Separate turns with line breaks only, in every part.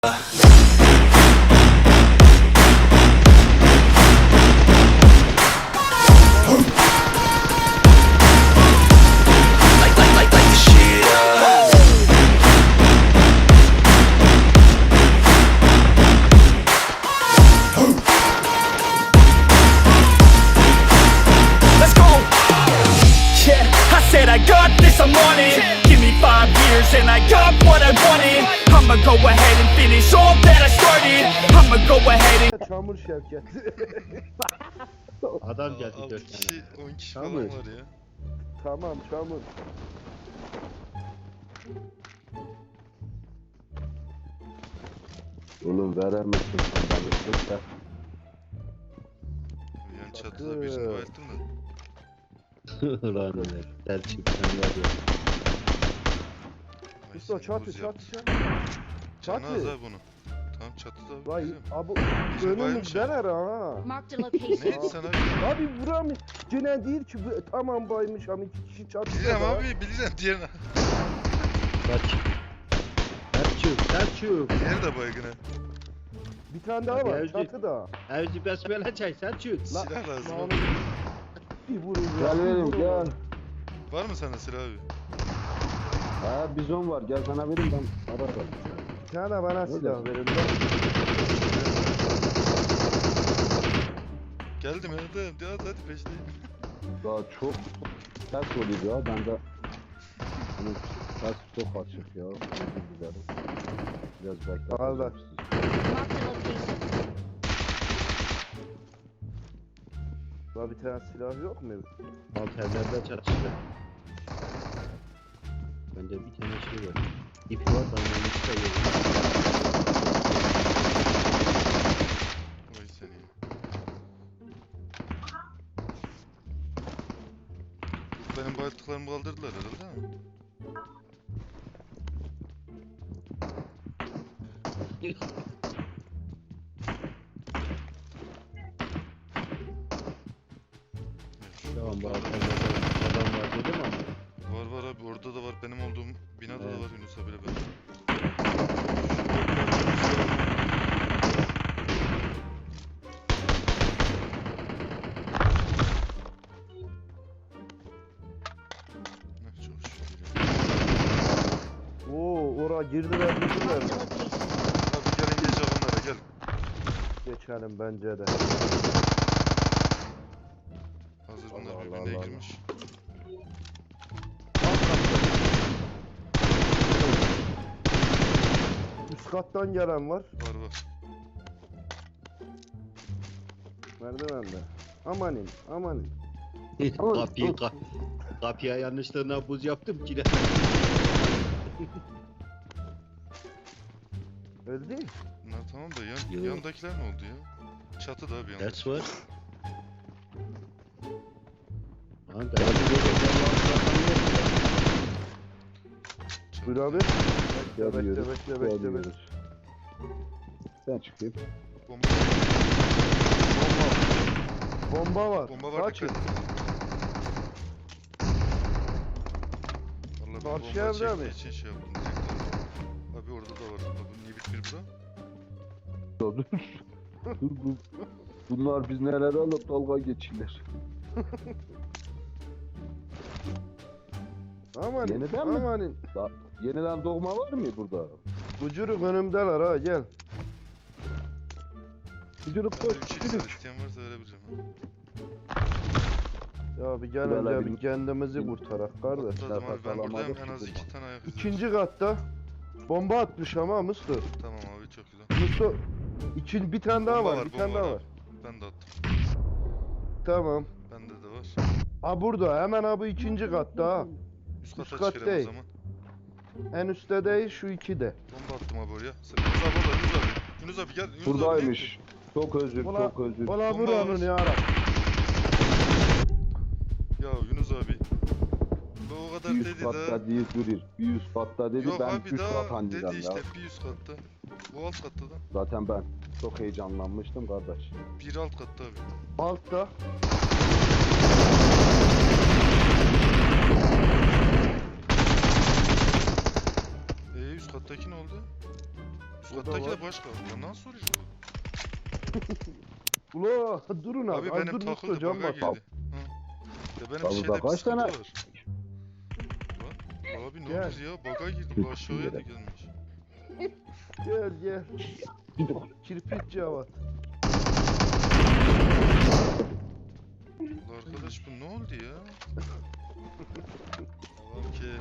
I got this, I'm on it. Give me 5 years and I got what I wanted. I'ma go ahead and finish all that I started. I'ma go ahead and...
Çamur Şevket.
Adam geldi
6
4 tane.
kişi 10 kişi
Tamam.
falan var ya.
Tamam çamur.
Oğlum veremezsin sen bana da.
Yani çatıda birini bayılttım da.
Ulan öyle. Selçuk sen var ya.
Ay,
Usta
seni
çatı
buz
çatı
yaptı.
çatı.
Canı az
çatı.
ha bunu. Tamam çatıda abi.
Vay
biliyorum.
abi
Bizim
önümüz
bayılmış ya.
dener ha.
Marked a location.
Neydi sen abi?
Abi vuramıyor. Gene değil ki tamam baymış ama 2 kişi çatıda.
Bileceğim
da.
abi bileceğim diğerine.
Selçuk.
Diğeri de baygın ha.
Bir tane daha
Hadi
var
Ercik.
çatıda.
Evci besmele çay Selçuk.
Silah lazım
Lan
abi.
bir vurun.
Gel verim gel.
Var mı sende silah abi?
Ha bizon var gel sana vereyim ben. Ararım.
Bir tane bana silah verin.
Geldim hadi peşteyim.
Daha çok ters oluyor ya ben de. Bunun ters çok açık ya. Özür dilerim. Biraz bekle.
Al da.
Marked a location.
Daha bir tane silah yok mu?
Alt evlerde çatıştı. Bende bir tane şey var. İp var da onu çıkıyor.
Vay seni. Benim bayılttıklarımı kaldırdılar herhalde ha.
Tamam bu alt evlerde adam var dedim ama.
Var abi orada da var benim olduğum binada
Evet.
da var Yunus abiyle ben. Çok şükür ya.
Oo ora girdiler girdiler.
Marked a location.
Abi gelin geç onlara gel.
Geçelim bence de.
Hazır bunlar
Allah
birbirine
Allah.
girmiş.
Üst kattan gelen var.
Var.
Merdivende. Amanin amanin.
Kapıya yanlışlığına buz yaptım ki de.
Öyle değil.
Tamam da
Yok.
yandakiler ne oldu ya? Çatıda abi yandakiler.
Ders var.
Buyur abi. Bekle.
Sen çıkayım.
Bomba,
Bomba var.
bomba var
Kaçın.
dikkat. Vallahi ben
Karşı
bomba
evde
çektiği
mi?
için şey yaptım direkt. Abi orada da var. Abi niye bitmir bura?
Dur. Bunlar biz neler alıp dalga geçilir.
Amanin.
Yeniden mi?
Amanin.
Yeniden doğma var mı burada?
Bucuruk önümdeler ha gel.
Gücürüp
Bende
koş.
3 x var isteyen varsa verebileceğim. Ha.
Ya bir gel
Böyle
önce
bir-
bir kendimizi kurtarak kardeş.
Atladım abi ben buradayım
alamadık
en
ki
az 2
buradan.
tane ayak izi var.
İkinci katta. Bomba atmış ama Mustafa.
Tamam abi çok güzel.
Mustafa. Bir tane daha
Bomba
var. Bir tane
bomba
daha var.
Ben de attım.
Tamam.
Bende de var.
Ha burada hemen abi ikinci katta ha.
Üst
Üst
kata
kat
çıkarım o
değil.
zaman.
En üstte değil şu ikide.
Bomba attım abi oraya. Yunus abi orada Yunus abi. Yunus abi gel. Yunus abi,
Buradaymış. Çok özür,
Ulan-
çok özür.
Ola vur
Bomba
onu
var.
ya Rab.
Ya Yunus abi. Bu o kadar
Bir üst
dedi
katta
daha.
değil durur. Bir üst katta dedi
Yok
ben
abi
üst kat
daha
anlayacağım
dedi
ya.
işte bir üst katta. Bu alt katta da.
Zaten ben çok heyecanlanmıştım kardeş.
Bir alt katta abi.
Altta.
Üst kattaki ne oldu? Üst
O da
kattaki
var.
de başka. Ya nasıl oluyor bu?
Ula durun abi.
Abi
az
benim
dur,
takıldı
Mustafa,
baga
bak.
girdi. Hı. Ya benim
Abi
şeyde
bak
bir
kaç
sıkıntı
tane-
var. Lan, abi ne
Gel.
olur ya? Baga girdi. Bu aşağıya da gelmiş.
Gel gel. Kirpik Cevat.
Ulan arkadaş bu ne oldu ya? Tamam ki.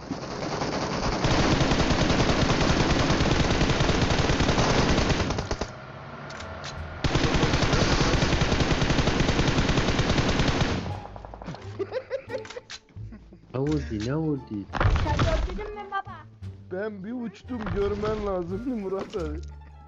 Ne oldu ne oldu?
Sen gördün mü baba?
Ben bir uçtum, görmen lazımdı Murat abi.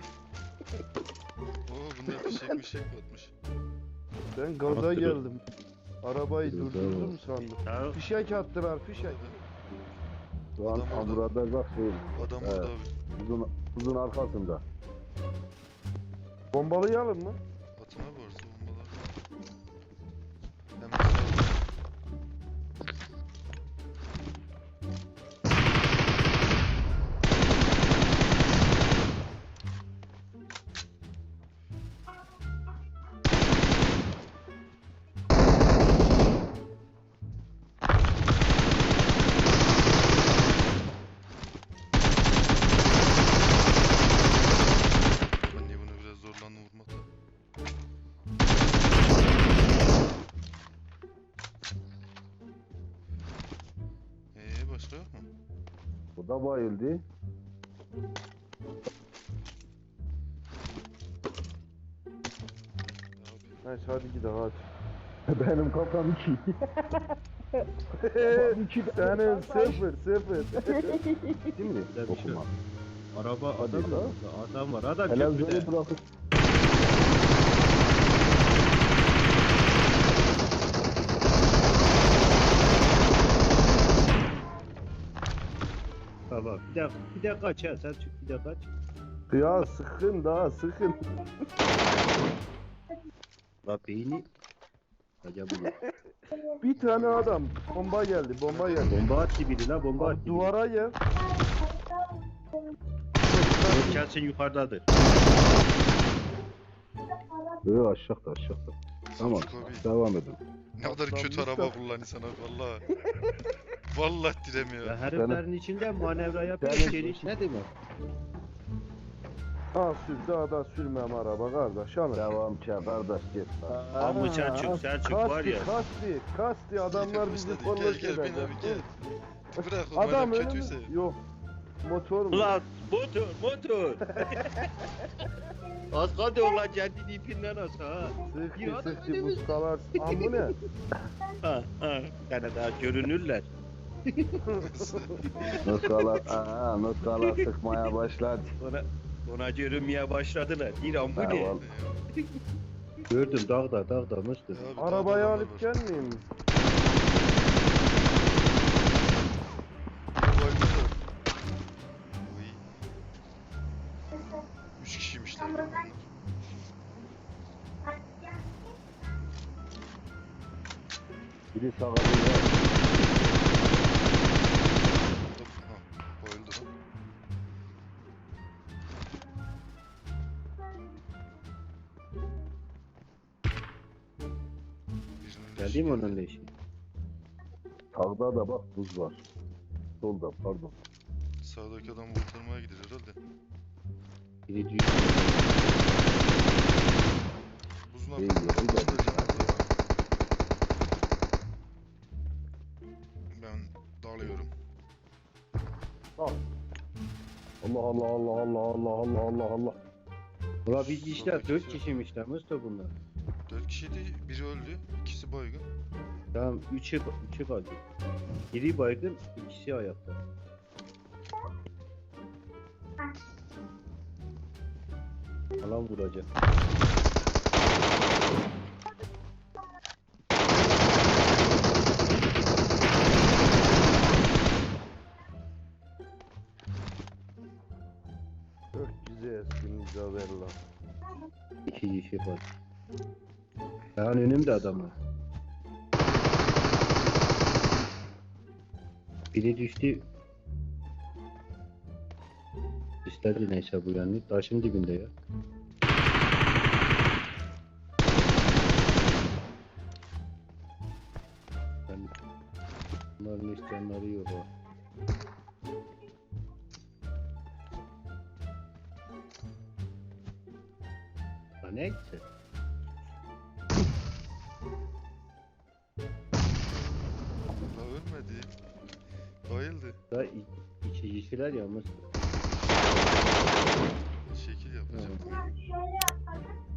Oo bunda fişek batmış.
Ben gaza
Attırın.
geldim. Arabayı
Güzel
durdurdum
oldu.
sandım.
Ya
Fişek attılar, fişek.
Şu an
Adam orada.
Amura'da bak şey.
Adam
Evet.
orada abi.
Uzun arkasında.
Bombalayalım mı?
Atına varsa bombalar. Hemen sağ. Ben niye bunu biraz zorlandım vurmakta? Başka yok mu?
Bu da bayıldı.
Abi.
Neyse hadi gidelim hadi.
Benim kafam 2.
Senin 0 0.
Değil mi?
Güzel bir şey.
Okuma.
araba
Hadi
adam
ya.
var. Adam var. Adam
Televizyonu
köprüde.
bırakıp
Tamam. Bir de kaç ha. Sen çık bir de kaç.
Ya sıkın daha sıkın.
La beyni. Acaba bu.
Bir tane adam. Bomba geldi, bomba geldi.
Bomba attı biri la bomba
Abi,
attı.
duvara gel.
Yok gelsin yukarıdadır.
aşağıda. Tamam.
Selçuk abi.
Devam edin.
Ne kadar kötü
Atlanmışlar.
araba kullanıyorsun abi valla. Vallahi diremiyor.
Ya heriflerin içinde manevra yapıyor.
Senin-
İçeri ne demek?
Ha sür, daha da sürmem araba kardeş. Alın.
Devam ki kardeş git.
Ama Selçuk var ya.
Kasti adamlar bizi
Başladı.
forvet
Gel bin
edecek.
abi gel. Bırak o
Adam
madem
önüm.
kötüyse.
Yok. Motor mu?
Ulan motor. Az kaldı ulan kendini ipinden as ha.
Sıktı
Ya,
sıktı
adam
buskalar. Ambu ne?
Ha. Yani daha görünürler.
Nuskalar sıkmaya başladı.
Ona görünmeye başladılar. Bir an bu ne?
Tamam.
Gördüm dağda mıstı.
Ya abi,
Arabayı
daha
alıp
var.
gelmeyeyim mi?
Bu oyunda da- Oy. 3 kişiymişler. bunlar.
Biri sağa
Hop,
bir
ha, bayıldı lan. Birinin
Geldi
leşi
mi
geldi.
onun leşi?
sağda da bak buz var. Solda pardon.
Sağdaki adam kurtarmaya gider herhalde.
Biri diyor.
Buzun
İyi,
altında
iyi, iyi.
Ben dalıyorum.
Allah.
Ulan biz işler 4 kişiymişler Mustafa bunlar.
4 kişiydi, biri öldü, ikisi baygın.
Tamam 3'ü kaldı. Biri baygın, ikisi ayakta. Alan vuracak.
Çok güzel eskin Isabella.
2 kişi var. Yani önümde adamlar. Biri düştü. gösterdi neyse bu yani. Taşın dibinde ya. Yani bunların isteyenleri yok ha. Ha neyse.
La ölmedi. Bayıldı.
Daha iki kişiler ya Mustafa.
Şekil yapacağım.
Şöyle yapalım.